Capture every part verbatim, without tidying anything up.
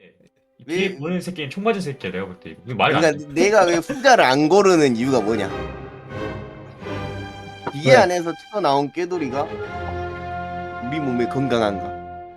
이 왜- 뒤에 보는 새끼는 총 맞은 새끼야 내가 볼 때. 이거 말이 안 돼. 그러니까 내가 왜 후자를 안 고르는 이유가 뭐냐? 기계 왜? 안에서 튀어나온 꾀돌이가 우리 몸에 건강한가?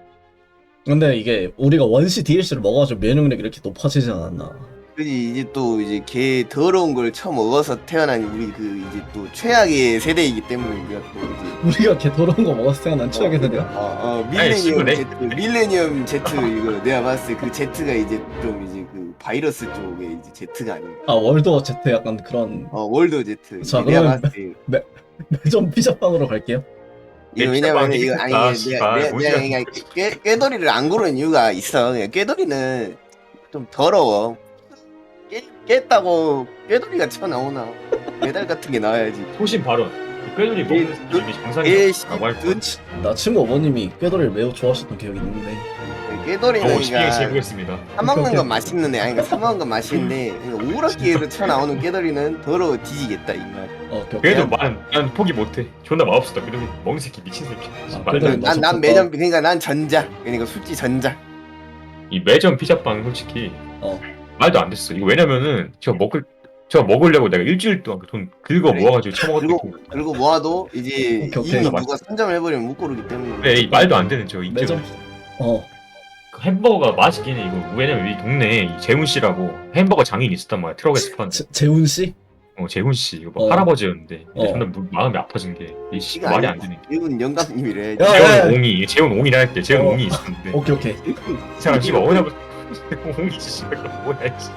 근데 이게 우리가 원시 디엘씨를 먹어가지고 면역력이 이렇게 높아지지 않았나? 그지 이제 또 이제 개 더러운 걸 처먹어서 태어난 우리 그 이제 또 최악의 세대이기 때문에 우리가 또 이제 우리가 걔 더러운 거 먹었을 때가 난 추억의 세대야. 어, 어 아니, 씨발, 밀레니엄 Z 밀레니엄 Z 이거 내가 봤을 때 그 Z가 이제 좀 이제 그 바이러스 쪽에 이제 Z가 아닌가. 아 월드워 제트 약간 그런. 어 월드 Z. 자, 내가 그러면 봤을 때 매점 피자빵으로 갈게요. 이거 내 왜냐면 피자빵이 이거 아니 있다, 내가 씨발. 내가 뭔지 내가 그냥 꾀 꾀돌이를 안 고르는 이유가 있어. 그냥 꾀돌이는 좀 더러워. 깨, 깼다고 꾀돌이가 튀어나오나 메달 같은 게 나와야지. 소신 발언. 꾀돌이 예, 먹는 그- 새끼 예, 정상이라고 할 뻔. 나 친구 어머님이 꾀돌이를 매우 좋아하셨던 기억이 있는데. 꾀돌이는 어, 시행시 그러니까 해보겠습니다. 사 먹는 오케이, 건 오케이. 맛있는 애 아니 그러니까 사 먹는 건 맛있는데 그러니까 우럭기에서 튀어나오는 꾀돌이는 더러워 뒤지겠다 이 말. 어, 오케이, 오케이. 그래도 난, 난 포기 못해. 존나 맛없었다. 그래도 먹는 새끼 미친 새끼. 아, 말도 그래도 안 돼. 난 난 맛있었다. 매점 그러니까 난 전자 그러니까 솔직히 전자. 이 매점 피자빵 솔직히 어. 말도 안 됐어. 이거 왜냐면은 저 먹을 저 먹으려고 내가 일주일 동안 그 돈 긁어 그래. 모아가지고 처먹었던 그리고 그리고 모아도 이제 오케이, 오케이. 이미 누가 선점을 해버리면 못 고르기 때문에. 그래 이 말도 안 되는 저 매점. 이점 어. 그 햄버거가 맛있긴 해. 이거 왜냐면 이 동네에 이 재훈 씨라고 햄버거 장인 있었단 말이야. 트럭에서 파는. 제, 재훈 씨? 어 재훈 씨 이거 뭐 어. 할아버지였는데 어. 존나 무- 마음이 아파진 게 이 씨 이거 말이 아니야. 안 되네. 이분 영감님이래. 야, 야, 재훈 야. 옹이 재훈 옹이라 할때 재훈 어. 옹이 있었는데 오케이 오케이. 이 사람 씨발 어디냐고 옹이 씨발 뭐야 씨.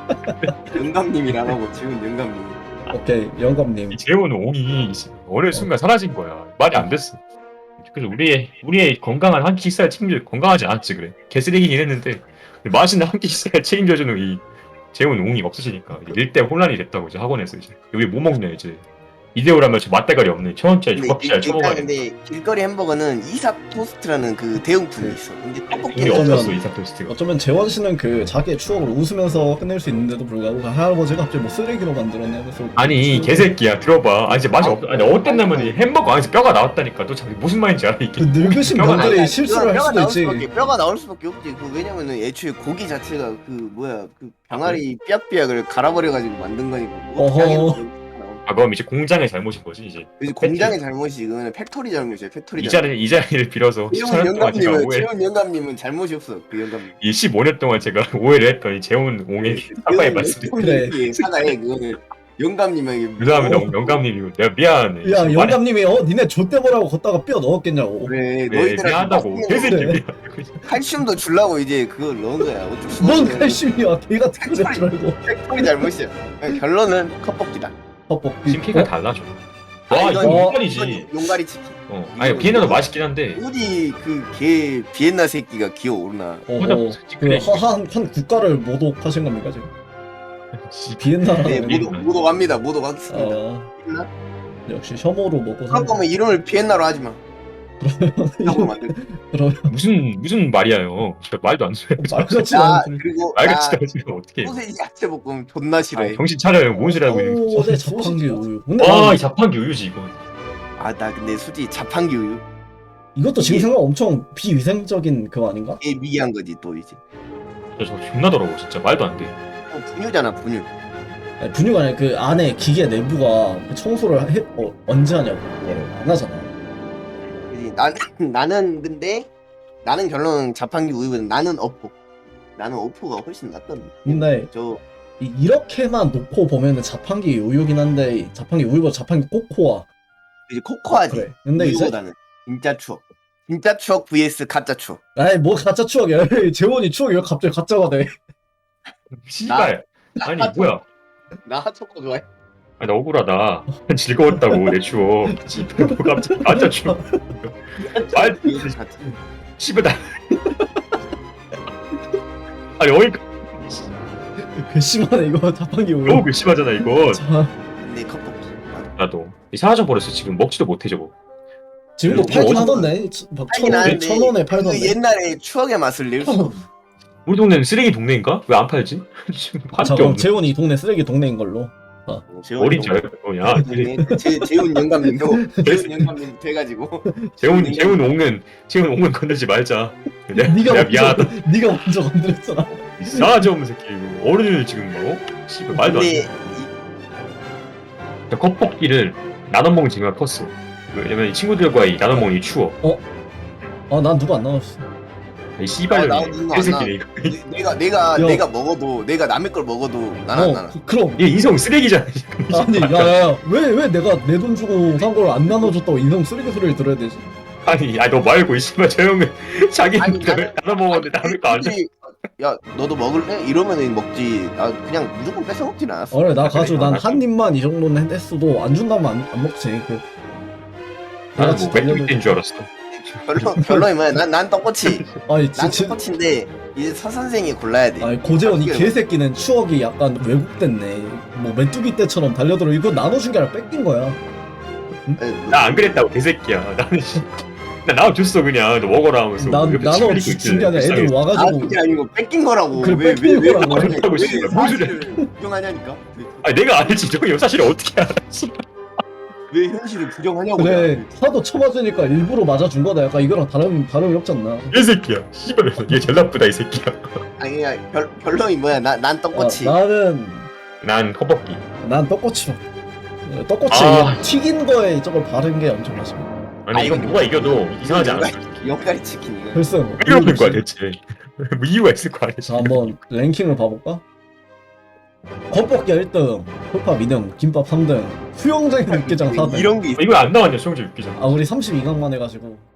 영감님이라고 지금 영감님. 오케이 영감님. 이 재훈 옹이 씨, 어느 순간 사라진 거야. 말이 안 됐어. 그래서 우리의 우리의 건강한 한 끼 식사를 책임져 건강하지 않았지 그래. 개쓰레기긴 했는데 맛있는 한 끼 식사를 책임져주는 이 재훈 옹이 없으시니까 일대 혼란이 됐다고 이제 학원에서 이제 여기 뭐 먹냐 이제 이대호라면 저 맛대가리 없는 천 원짜리 근데 조각피자를 일- 처먹어야 일단 돼. 근데 길거리 햄버거는 이삭 토스트라는 그 대용품이 있어. 근데 돈이 떡볶이는 어쩌면- 없었어 이삭 토스트가. 어쩌면 재원 씨는 그 자기의 추억을 웃으면서 끝낼 수 있는데도 불구하고 그 할아버지가 갑자기 뭐 쓰레기로 만들었네. 그래서 아니 개새끼야 들어봐. 아니 이제 맛이 아, 없. 아니 어땠냐면 이 햄버거 안에서 뼈가 나왔다니까. 너 자기 무슨 말인지 알아 그 이게? 늙으신 뼈가 분들이 아니, 실수를 할 뼈가 수도 나올 있지. 수밖에, 뼈가 나올 수밖에 없지. 그 왜냐면은 애초에 고기 자체가 그 뭐야 그 병아리 삐약삐약을 갈아버려가지고 만든 거니까. 뭐 어허. 어떻게 하겠어. 아 그럼 이제 공장의 잘못인 거지 이제. 그래서 공장의 잘못이 이거는 팩토리 잘못이야. 팩토리 이 잘못. 자리 이 자리를 빌어서 재훈 십사 년 동안 제가 영감님은 오해. 재훈 영감님은 잘못이 없어. 그 영감님. 이 십오 년 동안 제가 오해를 했더니 재훈 옹의 사과의 말씀을. 그래. 그래. 사과해 그거는 영감님에게. 죄송합니다 어, 영감님이고 내가 미안해. 야 말이- 영감님이 어 니네 좆대보라고 걷다가 뼈 넣었겠냐고. 그래. 네, 너희들한테 미안하다고 맛있는 개새끼 그래. 미안. 칼슘도 주려고 이제 그걸 넣은 거야. 어쩔 수가 뭔 없네. 칼슘이야. 개 같은 거줄 알고. 팩토리 잘못이야. 그냥 결론은 컵볶이다. 헛볶이. 심피가 달라져. 와 아니, 이거 이건- 용관이지. 이건 용가리 치킨. 어. 아니 비엔나도 맛있긴 한데. 어디 그 개 비엔나 새끼가 기어오르나. 혼자 어허. 그래. 그한 한 국가를 모독하신 겁니까 지금? 씨, 비엔나라는. 네, 우리- 모두 모두 갑니다. 모두 가겠습니다. 어 비엔나? 역시 혐오로 먹고 그럴 사는. 거면 이름을 비엔나로 하지 마. 하고 만들. 그러면 무슨 무슨 말이야요. 진짜 말도 안 돼. 말같이 나 않은. 그리고 말같이 나 떨어지면 어떻게? 소세지 야채 볶음 존나 싫어해. 아, 정신 차려요. 뭔 소리 하고 있는 거지? 오, 네 자판기 우유. 근데 와, 난 이 자판기 우유지 이거. 아 나 근데 솔직히 자판기 우유 이것도 지금 생각 엄청 비위생적인 그거 아닌가? 게 미개한 거지 또 이제. 저, 저 존나 더러워 진짜 말도 안 돼. 어, 분유잖아 분유. 아니, 분유가 아니라 그 안에 기계 내부가 그 청소를 해, 어, 언제 하냐고 그거를 안 하잖아. 그지 나는 나는 근데 나는 결론은 자판기 우유보다 나는 어포. 나는 어포가 훨씬 낫던데. 근데 저 이, 이렇게만 놓고 보면은 자판기 우유긴 한데 자판기 우유보다 자판기 코코아. 이제 코코아지. 그래. 근데 이제 우유보다는 진짜 추억. 진짜 추억 vs 가짜 추억. 아이 뭐 가짜 추억이야. 재원이 추억이 왜 갑자기 가짜가 돼? 씨발. 아니 뭐야? 나 초코 좋아해. 아니 나 억울하다. 즐거웠다고 내 추억. 씨발 뭐 갑자기 가짜 추억. 말 씨발 나. 아니 어이가 괘씸하네 이거 자판기 우유. 너무 괘씸하잖아 이거. 자, 근데 컵볶이. 나도 이 사라져 버렸어 지금 먹지도 못해 저거. 지금도 이거 팔긴 어디서- 하던데. 막 하긴 천 원에 하는데 천 원에 그 팔던데. 옛날에 추억의 맛을 낼 수 없어. 우리 동네는 쓰레기 동네인가? 왜 안 팔지? 지금 자 팔게 그럼 없네. 재원이 이 동네 쓰레기 동네인 걸로. 어린 줄 알고 야 제 재훈 영감님도 재훈 영감님 돼가지고 재훈 재훈 옹은 재훈 옹은 건들지 말자. 내가, 네가 내가 먼저, 미안하다. 네가 먼저 건드렸잖아. 이상하지 없는 새끼 이거. 어른을 지금 뭐 씨발 말도 안 근데 돼. 컵볶이를 나눠 먹는 재미가 컸어. 왜냐면 이 친구들과의 나눠 먹는 게 추워. 아, 난 누가 안 나왔어. 이 아, 씨발년이 나도 누가 안 개새끼네 이거. 이- 내가 내가 야. 내가 먹어도 내가 남의 걸 먹어도 난안 어, 나나. 그, 그럼. 얘 인성 쓰레기잖아. 아니, 야야야, 왜, 왜 내가 내 돈 주고 산 걸 안 나눠줬다고 인성 쓰레기 소리를 들어야 되지? 아니, 아너 말고 이 씨발 저 형은 자기 아니, 나눠 나는- 먹었는데 남의 거안 줘. 애들이, 야 너도 먹을래? 이러면은 먹지. 아 그냥 무조건 뺏어 먹진 않았어. 어래, 나 가지고 난 그래, 한 입만 이 정도는 했어도 안 준다면 안, 안 먹지. 그, 나는 같이 뭐 메뚜기 달려들- 뗀 줄 알았어. 별로 별로이 뭐야. 난난 떡꼬치. 아니, 난 지, 지, 떡꼬치인데 이제 서 선생이 골라야 돼. 아니 고재원 이 어떻게 개새끼는 추억이 약간 왜곡됐네. 뭐 메뚜기 때처럼 달려들어. 이거 나눠준 게 아니라 뺏긴 거야. 나 안 그랬다고 개새끼야. 나는 씨, 나 나눠줬어 그냥. 너 먹어라 하면서. 난 옆에 나눠 친구들이 준 있길래 게 아니라 애들 불쌍해서. 아 와가지고 그게 아니고 뺏긴 거라고. 그래, 왜 뺏긴 왜, 왜, 거라고. 왜, 뺏겼다고 왜 씨발. 뭔 소리야. 사실을 부정하냐니까. 아니 내가 알지. 저 사실 어떻게 알아? 왜 현실을 부정하냐고. 그래 하도 쳐맞으니까 일부러 맞아준 거다. 약간 이거랑 다른 다름이 없지 않나? 개새끼야. 씨발 얘 제일 나쁘다 이 새끼야. 아니 그냥 별 별로이 뭐야. 나 난 떡꼬치. 아, 나는 난 컵볶이. 난 떡꼬치로. 떡꼬치 아. 튀긴 거에 저걸 바른 게 엄청 맛있어. 아니 아, 이건 이거 누가 이겨도 이상하지 않아. 용가리 치킨 이거. 글쎄 뭐. 왜 이러는 거야 대체? 뭐 이유가 있을 거 아니야. 자 한번 랭킹을 봐볼까? 겉볶이 일 등, 홀팝 이 등, 김밥 삼 등, 수영장의 육개장 사 등. 이런 게 있어. 이거 안 나왔냐 수영장 육기장. 아 우리 삼십이 강만 해가지고